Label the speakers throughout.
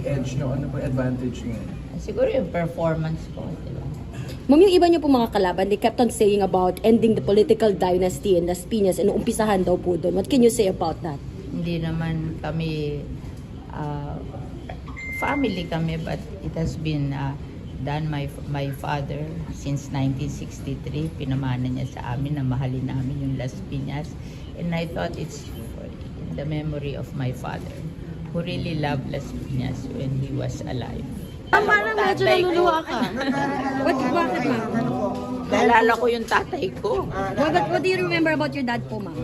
Speaker 1: edge nyo? Ano po yung advantage nyo?
Speaker 2: Siguro yung performance ko, diba?
Speaker 3: Ma'am, yung iba niyo po mga kalaban, they kept on saying about ending the political dynasty in Las Piñas and umpisahan daw po doon. What can you say about that?
Speaker 2: Hindi naman kami family kami, but it has been done my father since 1963. Pinamana niya sa amin na mahalin namin yung Las Piñas, and I thought it's in the memory of my father who really loved Las Piñas when he was alive.
Speaker 3: Parang medyo naluluwa ka. Bakit ma'am?
Speaker 2: Naalala ko yung tatay ko.
Speaker 3: What do you remember about your dad po, ma'am?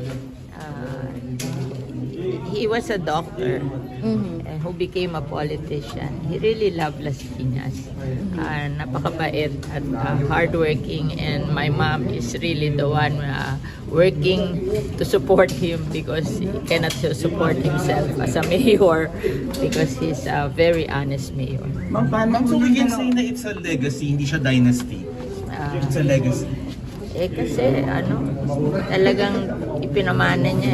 Speaker 2: He was a doctor who became a politician. He really loved Las Piñas. Napakabait at hardworking, and my mom is really the one working to support him because he cannot support himself as a mayor because he's a very honest mayor.
Speaker 4: Ma'am, so we can say na it's a legacy, hindi siya dynasty. It's a legacy.
Speaker 2: Kasi talagang ipinamana niya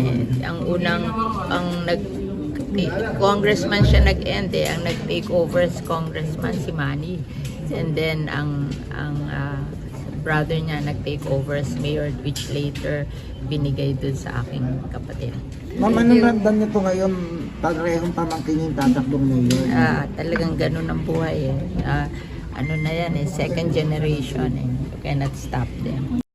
Speaker 2: congressman siya nag-end ang nag-take over as congressman si Manny, and then ang brother niya nag-take over as mayor, which later binigay dun sa aking kapatid.
Speaker 5: Ma'am, anong ramdam niyo po ngayon parehong pamangkin yung tatakbong mayor?
Speaker 2: Talagang ganun ang buhay eh. Na yan second generation eh. You cannot stop them.